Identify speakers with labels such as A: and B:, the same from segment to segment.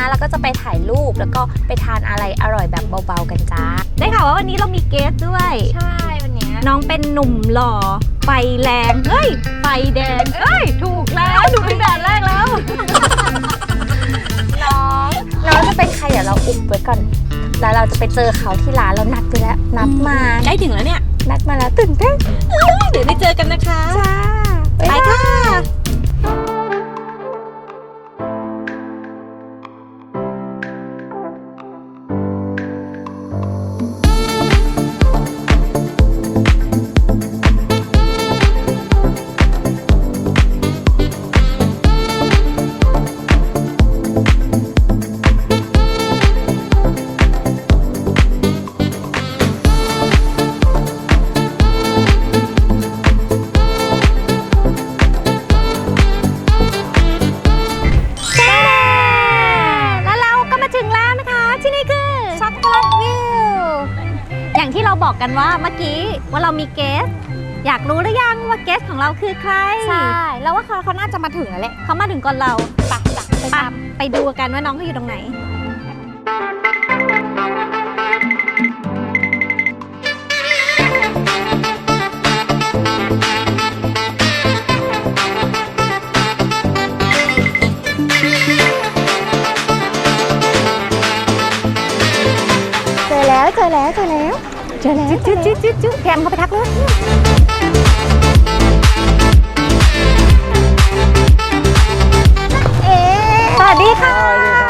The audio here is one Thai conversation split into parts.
A: แล้วก็จะไปถ่ายรูปแล้วก็ไปทานอะไรอร่อยแบบเบาๆกันจ้า
B: ได้ข่าวว่าวันนี้เรามีเกสด้วย
A: ใช่วันนี้
B: น้องเป็นหนุ่มหล่อไฟแรงเฮ้ยไฟแดงเอ้ยถูกแล้วถูกตั้งแต่แรกแล้ว
A: น้องจะเป็นใครเดี๋ยวเราอุบไว้ก่อนแล้วเราจะไปเจอเขาที่ร้านเรานัดไปแล้วนัดมา
B: ใกล้ถึงแล้วเนี่ย
A: นัดมาแล้วตื่นเต้น
B: เดี๋ยวได้เจอกันนะคะ
A: จ้า
B: ไปค่ะบอกกันว่าเมื่อกี้ว่าเรามีเกสอยากรู้หรือยังว่าเกสของเราคือใคร
A: ใช่แล้วว่าเขาน่าจะมาถึงแล้วแหละ
B: เขามาถึงก่อนเราไปดูกันว่าน้องเขาอยู่ตรงไหน
A: เจอแล้วจุ๊แกมเขาไปทักเลยสวัสดีค่ะ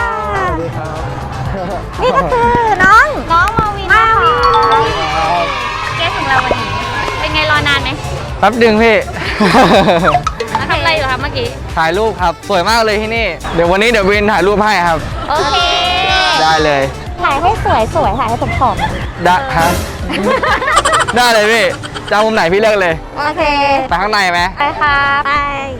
A: นี่ก็คือน้องมาวินนะคะแกของเราวันนี้เป็นไงรอนานไหม
C: แป๊บดึงพี่
A: ทำอะไรอยู่คะเมื่อกี้
C: ถ่ายรูปครับสวยมากเลยที่นี่เดี๋ยววันนี้วินถ่ายรูปให้ครับ
A: โอเค
C: ได้เลย
A: ถ่ายให้สวยถ่ายให้ผมผอม
C: ได้ฮะได้เลยพี่จะมุมไหนพี่เลือกเลย
A: โอเค
C: ไปข้างในไหม
A: ไปค่ะไป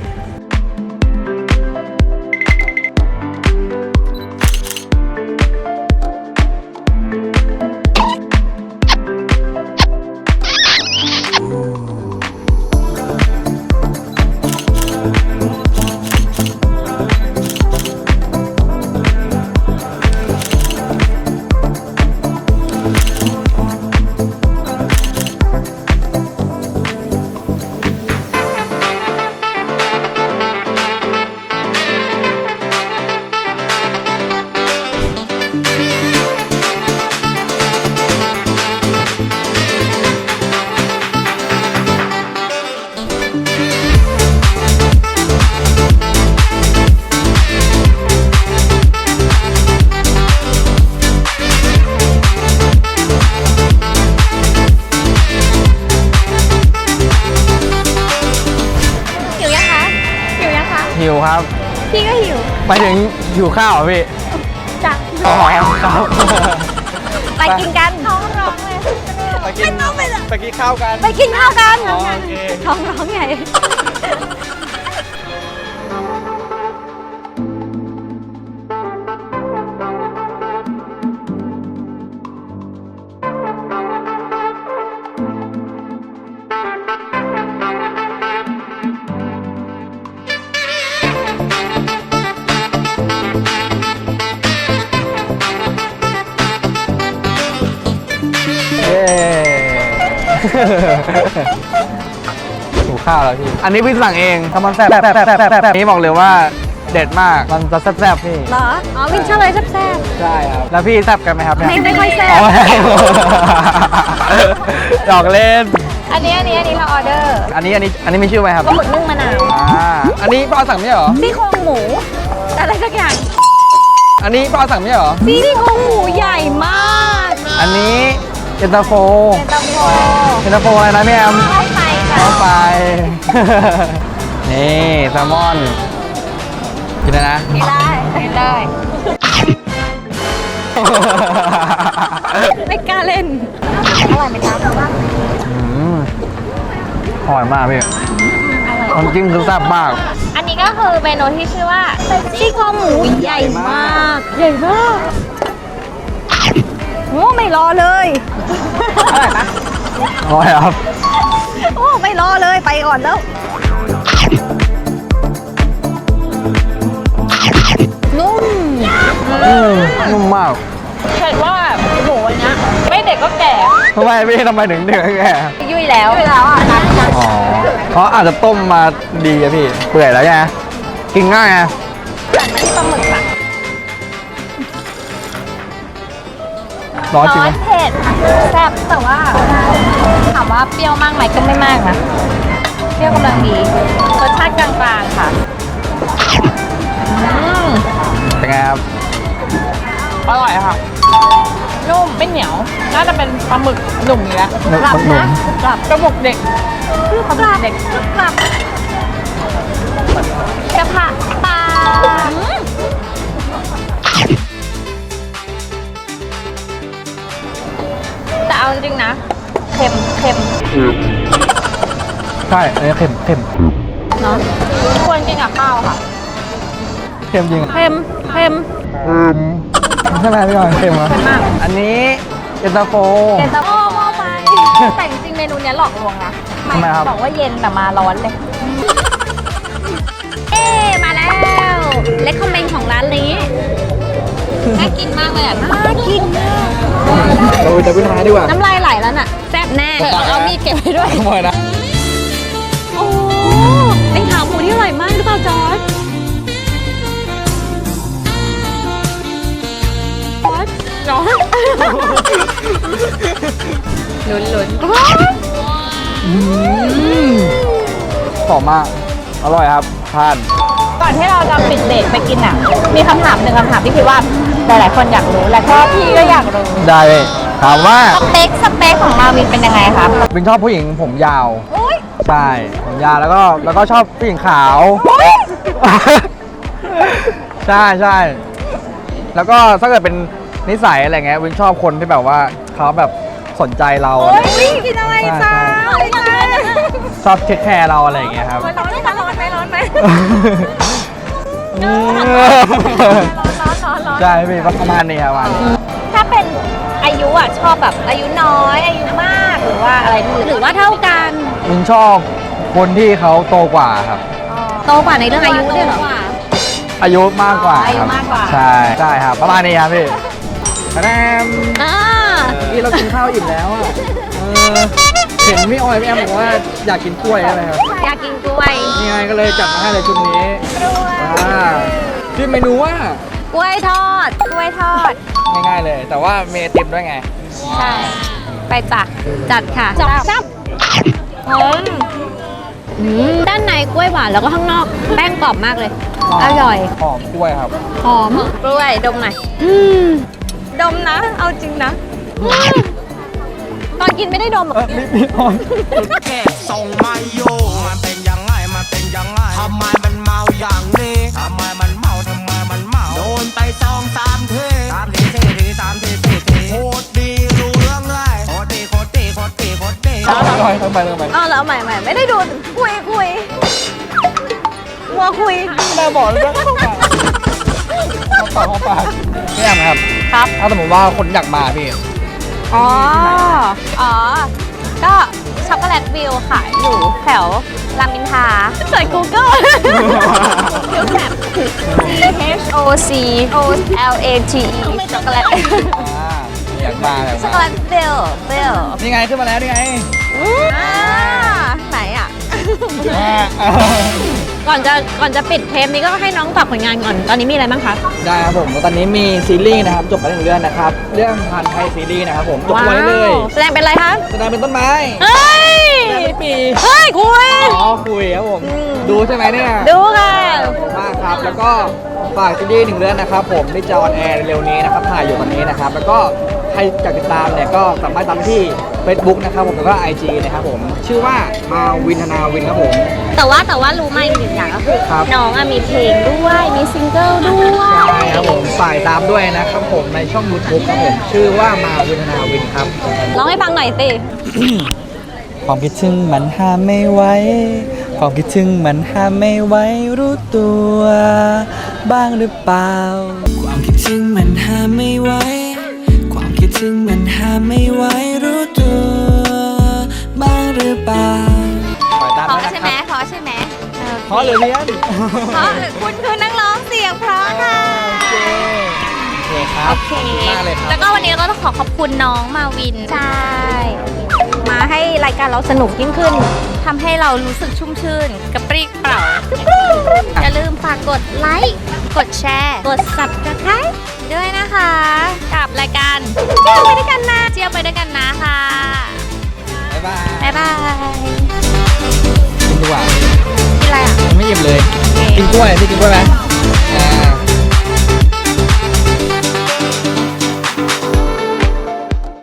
C: หิวครับ
A: พี่ก็หิว
C: ไปถึงหิวข้าวพี่
A: จ้ะ
C: อ๋อครับ
A: ไปกินกันท้องร้องเลย
C: ไปกินข้าวกัน
A: ไปกินข้าวกัน
C: โอเค
A: ท้องร้องใหญ่
C: หิวข้าวแล้วพี่อันนี้พี่สั่งเองทำมันแซ่บนี่บอกเลยว่าเด็ดมากมันจะแซ่บพี่
B: เหรออ๋อวินชอบอะไรแซ่บ
C: ใช่ครับแล้วพี่แซ่บกันไหมครับ
B: ไม่ค่อยแซ่บ
C: ดอกเล่น
A: อันนี้เราออเดอร์
C: อันนี้มีชื่อไหมครับ
A: ปลาหมึกนึ่งมะนาว
C: อันนี้ป้าสั่งไม่ใช่เหรอ
A: ซี่โครงหมูอะไรสักอย่าง
C: อันนี้ป้าสั่งไม่ใช่เหรอ
B: ซี่โครงหมูใหญ่มาก
C: อันนี้เย็นตาโฟอะไรนะพี่แอม
A: ข้าวไฟ
C: นี่แซลมอนกินเลยนะ
A: กินได้
B: ไม่กล้าเล่น
A: อร่อยไหมจ๊ะ
C: อร่อยมากพี่น้ำจิ้มคือแซ่บมาก
A: อันนี้ก็คือเมนูที่ชื่อว่า
B: ซี่โครงหมูใหญ่มากโอ้ไม่รอเลย
A: อร่อยปะ
C: อร่อยครับ
B: โอ้ไม่รอเลยไปก่อนแล้ว
A: นุ่ม
C: ทำไมพี่ทำไมถึงเดือดแก่
A: ยุ่ยแล้วอ่ะ
C: อ๋อเขาอาจจะต้มมาดีอะพี่ เปื่อยแล้วไงกินง่ายไง
A: แต่ไม่ใช่ปลาหมึกค่ะ
C: ร้อนจริง
A: ร้อ
C: ไหม
A: นเผ็ดแซ่บแต่ว่าถามว่าเปรี้ยวมากไหมก็ไม่มากนะเปรี้ยวกำลังดีรสชาติกลางๆค่ะ
C: เป็นไงครับ
D: อร่อยค่ะ นุ่มไม่เหนียว น่าจะเป็นปลาหมึกหนุ่มอยู่แล้ว
C: หนุ่ม
A: กลับ
D: กระบอกเด็ก
A: กลับเด็กกลับกระเพาะปลาแต่เอาจริงๆนะเค็ม
C: ใช่อันนี้เค็ม
A: เนาะควรกินกับข้าวค่ะ
C: เค็มจริง
B: เค็ม
C: ใช่ไหมพี่บอลเค็มเหรอ
A: เค็มมาก
C: อันนี้เย็นตาโฟ
A: เย็นตาโฟหม้อไฟแต่จริงๆเมนูเนี้ยหลอกลวงนะ
C: ทำไมครับ
A: บอกว่าเย็นแต่มาร้อนเลย
B: เอ๊มาแล้ว เล็กคอมเมนต์ของร้านนี้
A: น่ากินมากเลยอ่ะ
B: น่ากินมาก
C: เราจะพิจารณาดีกว่า
B: น้ำลายไหลแล้วน่ะ แซ่บแน่
A: เอามีดเก็บไว้ด้วย
C: ขโมยนะ
B: โอ้เป็นขาหมูที่อร่อยมากหรือเปล่าจอร์จจอร์จ
A: ลุ้น
C: หอมมาก อร่อยครับทาน
A: ก่อนที่เราจะปิดเบรกไปกินอ่ะ มีคำถามหนึ่งคำถามที่คิดว่าหลายๆคนอยากรู้ และก็พี่ก็อยากรู้
C: ได้เลยถามว่า
A: สเปคของมาวินเป็นยังไงครับ
C: วินชอบผู้หญิงผมยาว
A: อุ้ย
C: ใช่ ผมยาวแล้วก็ชอบผู้หญิงขาว ใช่ใช่ แล้วก็ถ้าเกิดเป็นนิสัยอะไรเงี้ยวินชอบคนที่แบบว่าเขาแบบสนใจเราอะไรเงี้ย
A: กินอะไร
C: ใช่
A: จ้า
C: ใช่ ชอบเทคแคร์เราอะไรอย่างเงี้ยครับ
A: ร้อนไหมร้อนไหม ร้อน
C: ใช่พี่ประมาณนี้ครับประมาณนี้
A: ถ้าเป็นอายุอ่ะชอบแบบอายุน้อย อายุมากหรือว่าอะไรห
B: หรือว่าเท่ากัน
C: วินชอบคนที่เขาโตกว่าครับ
B: โตกว่าในเรื่องอายุด้วยเหรอ
C: อายุมากกว่า
A: อายุ
C: ครับ
A: มากกว่า
C: ใช่ใช่ครับ ประมาณนี้ครับพี่คะแนน
B: อ่า
C: นี่เรากินข้าวอิ่มแล้วอ่ะเห็นพี่ออยพี่แอมบอกว่าอยากกินกล้วยใช่ไหมครับ
B: อยากกินกล้วย
C: นี่ไงก็เลยจัดมาให้เลยชุดนี้ชื่อเมนูว่าก
B: ล้วยทอด
A: กล้วยทอด
C: ง่ายๆเลย แต่ว่าเมไอติมด้วยไง
A: ใช่ ไปจ้ะ
B: จัดค่ะจับด้านในกล้วยหวานแล้วก็ข้างนอกแป้งกรอบมากเลย อร่อย
C: หอมกล้วยครับ
B: หอม
A: กล้วยดมหน่อย ดมนะ เอาจริงนะ
B: ตอนกินไม่ได้ดมหรอก
C: พี่ออย
E: แค่ส่งมาโยมันเป็นยังไง มันเป็นยังไง ทำไมมันเมาอย่างนี้ ทำไมมันเมา ทำไมมันเมา โดนไป2-3 ที3 ที4 ที3 ที 4 ทีโคตรดีรู้เรื่องเลยโคตรดีโคตรดีโคตรดีโคตรดี
C: พี่ออยต้องไป
B: อ๋อแล้วใหม่ไม่ได้ดูคุยมัวคุย
C: แม่บอกเลยนะเข้าปากพี่แอมครับ
A: ครับ
C: ถ้าสมมติว่าคนอยากมาพี่
A: อ๋อ ก็ช็อกโกแลตวิวค่ะ อยู่แถวรามอินทราเสิร์ช Google วิวแถบ CHOC OLATE ช็อกโกแลต
C: อยากมาอยาก
A: ช็อกโก
C: มา
A: แลตเบล
C: นี่ไงขึ้นมาแล้วนี่ไง
A: ไหนอ่ะ
B: ก่อนจะปิดเทปนี้ก็ให้น้องฝากผลงานก่อน ตอนนี้มีอะไรบ้างคะ
C: ได้ครับผมตอนนี้มีซีรีส์นะครับจบไป1 เรื่องนะครับ เรื่องพันไทยซีรีส์นะครับผมจบไปเลย
B: แสดงเป็นอะไรคะ
C: แสดงเป็นต้นไม้
B: เฮ้ย
C: แสดงเป็นปี
B: เฮ้ยคุย
C: อ๋อคุยครับผม ดูใช่ไหมเนี่ย
B: ดูค่ะ
C: ขอบคุณมากครับ แล้วก็ฝากซีรีส์1 เรื่องนะครับผมที่จะออนแอร์เร็วนี้นะครับถ่ายอยู่ตอนนี้นะครับ แล้วก็ใครอยากติดตามเนี่ยก็สามารถตามได้ที่ Facebook นะครับผมแล้วก็ IG นะครับผมชื่อว่ามาวินธนาวินครับผม
B: แต่ว่ารู้มาอีกหนึ่งอย่างก็คือ
C: ครับ
B: น้องอะมีเพลงด้วย มีซิงเกิลด้วย
C: ใช่ครับผมฝ่ายตามด้วยนะครับผมในช่อง YouTube ครับผมชื่อว่ามาวินธนาวินครับ
B: ร้องให้ฟังหน่อยสิ
C: ความคิดถึงมันห้ามไม่ไหวความคิดถึงมันห้ามไม่ไหวรู้ตัวบ้างหรือเปล่า
E: ความคิดถึงมันห้ามไม่ไหวความคิดถึงมันห้ามไม่ไหวรู้ตัวบ้างหรือเปล่า
C: ฝ่ายตาม
A: เพราะ
C: ด้วย
A: ใช่
C: นะ
A: ไหม
C: ครับ
A: เพราะใช่ไหม
C: เพราะหรือเรียน
A: เพราะคุณคือนักร้องเสียงเพราะค่ะ
C: โอเคเคครับ
A: โอเค
C: ขอบคุณมากเลยครับ
A: แล้วก็วันนี้เราก็ต้องขอบคุณน้องมาวิน
B: ใช่ มาให้รายการเราสนุกยิ่งขึ้น
A: ทำให้เรารู้สึกชุ่มชื่น กระปรี้กระเปร่า อย่าลืมฝากกดไลค์กดแชร์
B: กด subscribe
A: ด้วยนะคะ กับรายการ
B: เที่ยวไปด้วยกันนะ
A: เที่ยวไปด้วยกันนะค่ะ
C: บ๊ายบาย
A: บ๊ายบาย
C: กินดีกว่า
A: กินอะไรอ่ะ
C: ไม่อิ่มเลย กินกล้วยพี่กินกล้วยไหมอ่า